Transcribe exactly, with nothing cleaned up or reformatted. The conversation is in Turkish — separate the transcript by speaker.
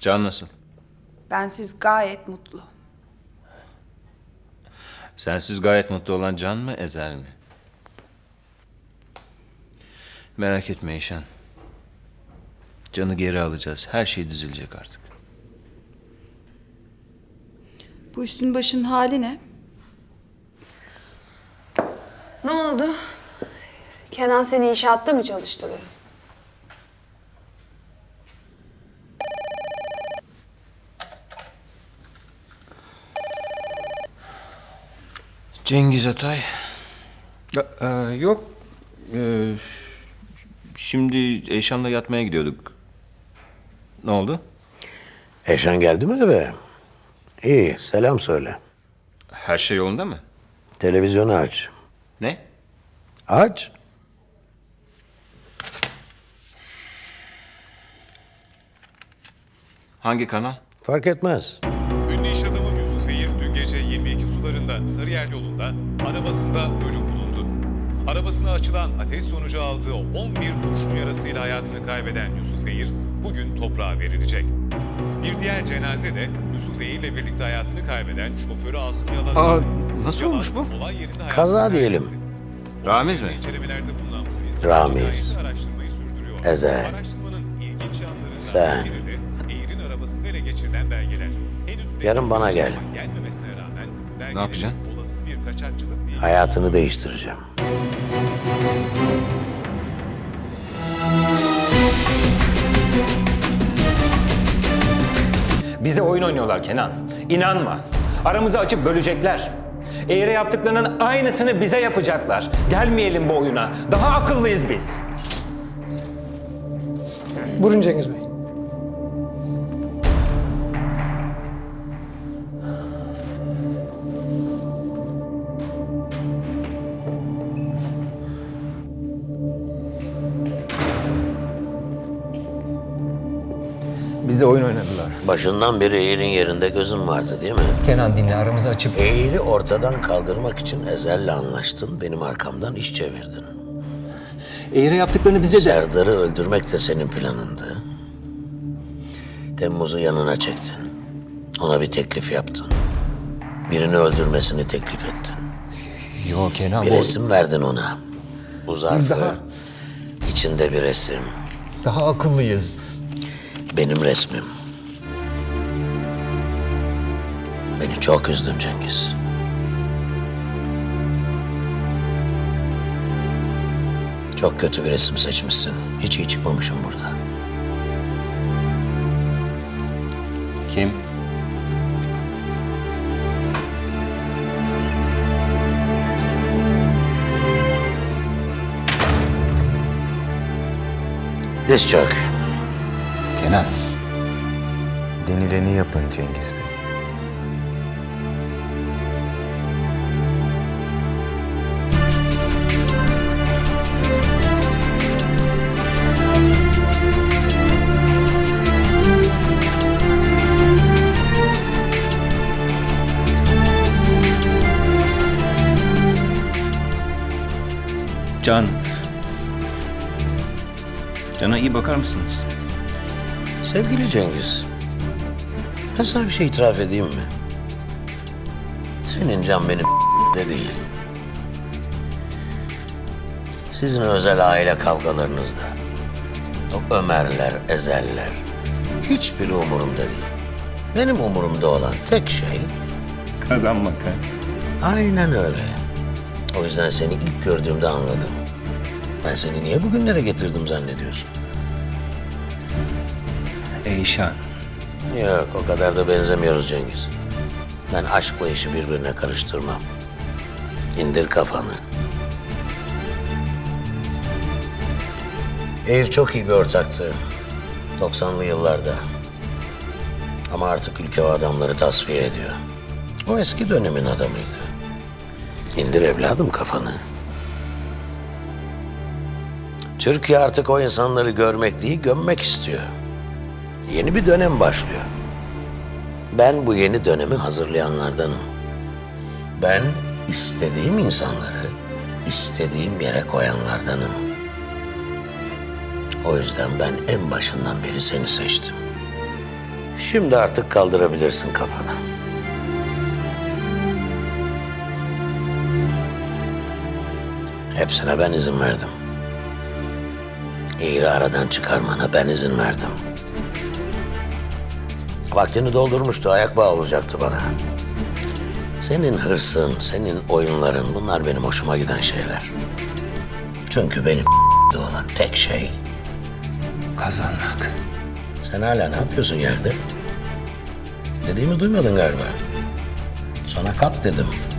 Speaker 1: Can nasıl?
Speaker 2: Bensiz gayet mutlu.
Speaker 1: Sensiz gayet mutlu olan Can mı, Ezel mi? Merak etme Eyşan. Can'ı geri alacağız. Her şey düzelecek artık.
Speaker 2: Bu üstün başın hali ne?
Speaker 3: Ne oldu? Kenan seni inşaatta mı çalıştırıyor?
Speaker 1: Cengiz Atay. Ya, e, yok. E, şimdi Eyşan'la yatmaya gidiyorduk. Ne oldu?
Speaker 4: Eşan geldi mi eve? İyi, selam söyle.
Speaker 1: Her şey yolunda mı?
Speaker 4: Televizyonu aç.
Speaker 1: Ne?
Speaker 4: Aç.
Speaker 1: Hangi kanal?
Speaker 4: Fark etmez.
Speaker 5: Ünlü iş adamı Yusuf Eğir dün gece yirmi iki sularında Sarıyer yolunda arabasında ölü bulundu. Arabasına açılan ateş sonucu aldığı on bir kurşun yarasıyla hayatını kaybeden Yusuf Eğir bugün toprağa verilecek. Bir diğer cenaze de Yusuf Eğir'le birlikte hayatını kaybeden şoförü Asım Yalaz'a
Speaker 1: Aa,
Speaker 5: ait.
Speaker 1: nasıl
Speaker 5: Yalaz,
Speaker 1: olmuş bu?
Speaker 5: olay yerinde hayatını
Speaker 4: Kaza
Speaker 5: kaybetti.
Speaker 4: diyelim.
Speaker 1: Ramiz mi?
Speaker 5: İncelemelerde bulunan polis
Speaker 4: Ramiz.
Speaker 5: cinayeti araştırmayı sürdürüyor.
Speaker 4: Ezel.
Speaker 5: Araştırmanın ilginç yanlarından
Speaker 4: Sen.
Speaker 5: biri de Eğir'in arabasında ele geçirilen belgeler. Henüz
Speaker 4: Yarın bana
Speaker 5: resmi bir
Speaker 4: gel.
Speaker 5: açıklama gelmemesine rağmen belgelerin
Speaker 1: yapacaksın?
Speaker 5: olası bir kaçakçılık değil.
Speaker 4: Hayatını değiştireceğim.
Speaker 6: Bize oyun oynuyorlar Kenan. İnanma. Aramızı açıp bölecekler. Eğri yaptıklarının aynısını bize yapacaklar. Gelmeyelim bu oyuna. Daha akıllıyız biz.
Speaker 7: Buyurun Cengiz Bey.
Speaker 6: Bize oyun oynadılar.
Speaker 4: Başından beri Eğir'in yerinde gözün vardı değil mi?
Speaker 6: Kenan dinle, aramızı açıp...
Speaker 4: Eğir'i ortadan kaldırmak için Ezel'le anlaştın, benim arkamdan iş çevirdin.
Speaker 6: Eğri yaptıklarını bize de...
Speaker 4: Serdar'ı öldürmek de senin planındı. Temmuz'u yanına çektin. Ona bir teklif yaptın. Birini öldürmesini teklif ettin.
Speaker 6: Yo Kenan,
Speaker 4: Bir
Speaker 6: bu...
Speaker 4: resim verdin ona. Bu zarfı,
Speaker 6: daha-
Speaker 4: içinde bir resim.
Speaker 6: Daha akıllıyız.
Speaker 4: Benim resmim. Beni çok üzdün Cengiz. Çok kötü bir resim seçmişsin. Hiç iyi çıkmamışım burada.
Speaker 1: Kim?
Speaker 4: Diz çök.
Speaker 6: Kenan. Denileni yapın Cengiz Bey.
Speaker 1: Can. Can'a iyi bakar mısınız?
Speaker 4: Sevgili Cengiz, ben sana bir şey itiraf edeyim mi? Senin can benim de değil. Sizin özel aile kavgalarınızda, o Ömerler, Ezeller, hiçbiri umurumda değil. Benim umurumda olan tek şey...
Speaker 6: Kazanmak ha.
Speaker 4: Aynen öyle. O yüzden seni ilk gördüğümde anladım. Ben seni niye bugünlere getirdim zannediyorsun?
Speaker 1: Eyşan.
Speaker 4: Yok, o kadar da benzemiyoruz Cengiz. Ben aşkla işi birbirine karıştırmam. İndir kafanı. Eğir çok iyi bir ortaktı. doksanlı yıllarda. Ama artık ülke o adamları tasfiye ediyor. O eski dönemin adamıydı. İndir evladım kafanı. Türkiye artık o insanları görmek değil, gömmek istiyor. Yeni bir dönem başlıyor. Ben bu yeni dönemi hazırlayanlardanım. Ben istediğim insanları istediğim yere koyanlardanım. O yüzden ben en başından beri seni seçtim. Şimdi artık kaldırabilirsin kafanı. Hepsine ben izin verdim. İğri aradan çıkarmana ben izin verdim. Vaktini doldurmuştu, ayak bağı olacaktı bana. Senin hırsın, senin oyunların, bunlar benim hoşuma giden şeyler. Çünkü benim olan tek şey kazanmak. Sen hala ne yapıyorsun yerde? Dediğimi duymadın galiba. Sana kalk dedim.